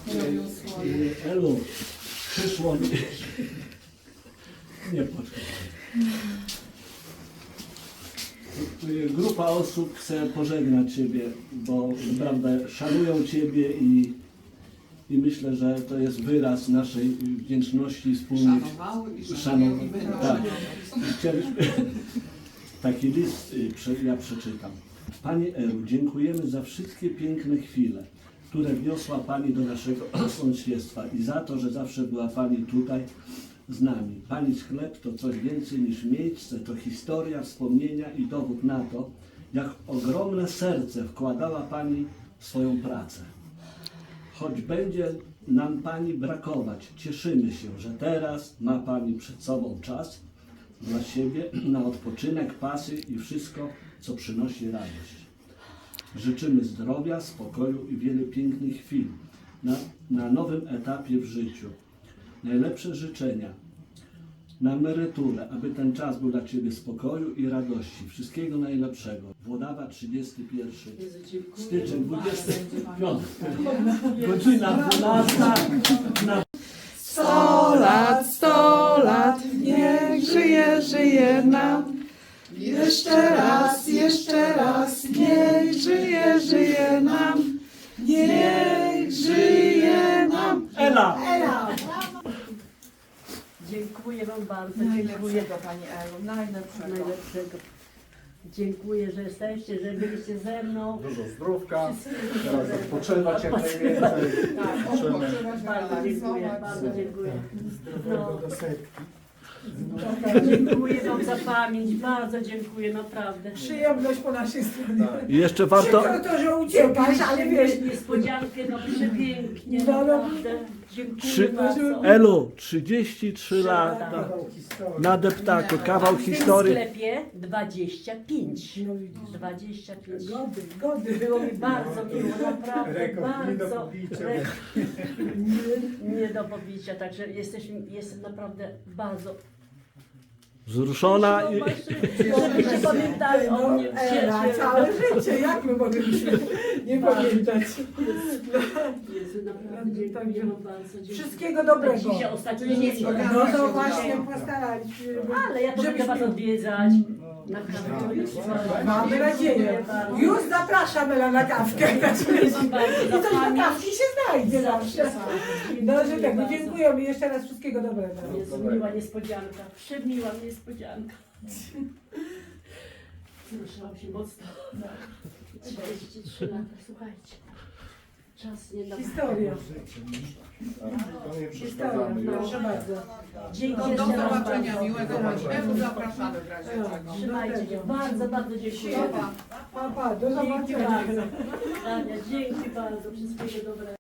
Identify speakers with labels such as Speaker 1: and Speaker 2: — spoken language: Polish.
Speaker 1: Elu, przyszło mi... Nie poczekaj. Grupa osób chce pożegnać Ciebie, bo naprawdę szanują Ciebie i myślę, że to jest wyraz naszej wdzięczności wspólnej. Tak. Chcieliśmy... Taki list ja przeczytam. Pani Elu, dziękujemy za wszystkie piękne chwile, które wniosła Pani do naszego sąsiedztwa i za to, że zawsze była Pani tutaj z nami. Pani sklep to coś więcej niż miejsce, to historia, wspomnienia i dowód na to, jak ogromne serce wkładała Pani w swoją pracę. Choć będzie nam Pani brakować, cieszymy się, że teraz ma Pani przed sobą czas dla siebie, na odpoczynek, pasy i wszystko, co przynosi radość. Życzymy zdrowia, spokoju i wiele pięknych chwil na nowym etapie w życiu. Najlepsze życzenia na emeryturę, aby ten czas był dla Ciebie spokoju i radości. Wszystkiego najlepszego. Włodawa 31 styczeń 25. Godzina 12.
Speaker 2: 100 lat, niech żyje, żyje nam. Jeszcze raz, niech żyje, żyje nam. Niech żyje nam.
Speaker 1: Ela!
Speaker 3: Dziękuję Wam bardzo. Dziękuję.
Speaker 2: Najlepszego Pani Elu, najlepszego.
Speaker 3: Dziękuję, że jesteście, że byliście ze mną.
Speaker 4: Dużo zdrówka, teraz odpoczywać jak najwięcej.
Speaker 3: Bardzo dziękuję, bardzo dziękuję. No,
Speaker 4: Do setki.
Speaker 3: dziękuję Wam za pamięć, bardzo dziękuję, naprawdę.
Speaker 2: Przyjemność po naszej stronie.
Speaker 1: I jeszcze warto...
Speaker 2: Przykro to, że uciekasz, ale wiesz,
Speaker 3: Niespodziankę, no przepięknie,
Speaker 2: No, no.
Speaker 3: naprawdę. Dziękuję bardzo.
Speaker 1: Elu, 33 lata na deptaku, kawał
Speaker 3: W
Speaker 1: historii.
Speaker 3: sklepie 25. 25.
Speaker 2: gody.
Speaker 3: Było mi bardzo miło, naprawdę
Speaker 4: Rekord, nie do
Speaker 3: bardzo.
Speaker 4: pobicia.
Speaker 3: Nie do pobicia, także jestem naprawdę bardzo.
Speaker 1: Wzruszona i...
Speaker 3: Żebyście pamiętali o mnie.
Speaker 2: Ela, całe życie, jak my mogliśmy nie pamiętać?
Speaker 3: Jezu, naprawdę dziękuję wam bardzo. Dziękuję.
Speaker 2: Wszystkiego dobrego.
Speaker 3: Dzisiaj ostatnio nie
Speaker 2: No to właśnie postaraliśmy się,
Speaker 3: Ale ja to będę was odwiedzać. Na kawę.
Speaker 2: Mamy nadzieję. Już zapraszam Ela na kawkę. I coś na kawki się znajdzie zawsze. No, że tak, no dziękujemy jeszcze raz, wszystkiego dobrego.
Speaker 3: Jest miła niespodzianka, przemiła niespodzianka. Wzruszyłam się mocno. 43 lata, słuchajcie. Czas nie da.
Speaker 2: Historia.
Speaker 4: To nie
Speaker 2: Historia,
Speaker 4: przeszkadzamy już.
Speaker 2: proszę bardzo.
Speaker 3: Dzięki
Speaker 5: Do
Speaker 3: jeszcze raz
Speaker 5: zobaczenia,
Speaker 3: bardzo.
Speaker 5: miłego Elu, zapraszamy w razie czego.
Speaker 3: Trzymajcie się, bardzo, bardzo dziękuję.
Speaker 2: Pa, do
Speaker 3: Dzięki
Speaker 2: zobaczenia.
Speaker 3: bardzo. Ania, dzięki bardzo, wszystkiego dobrego.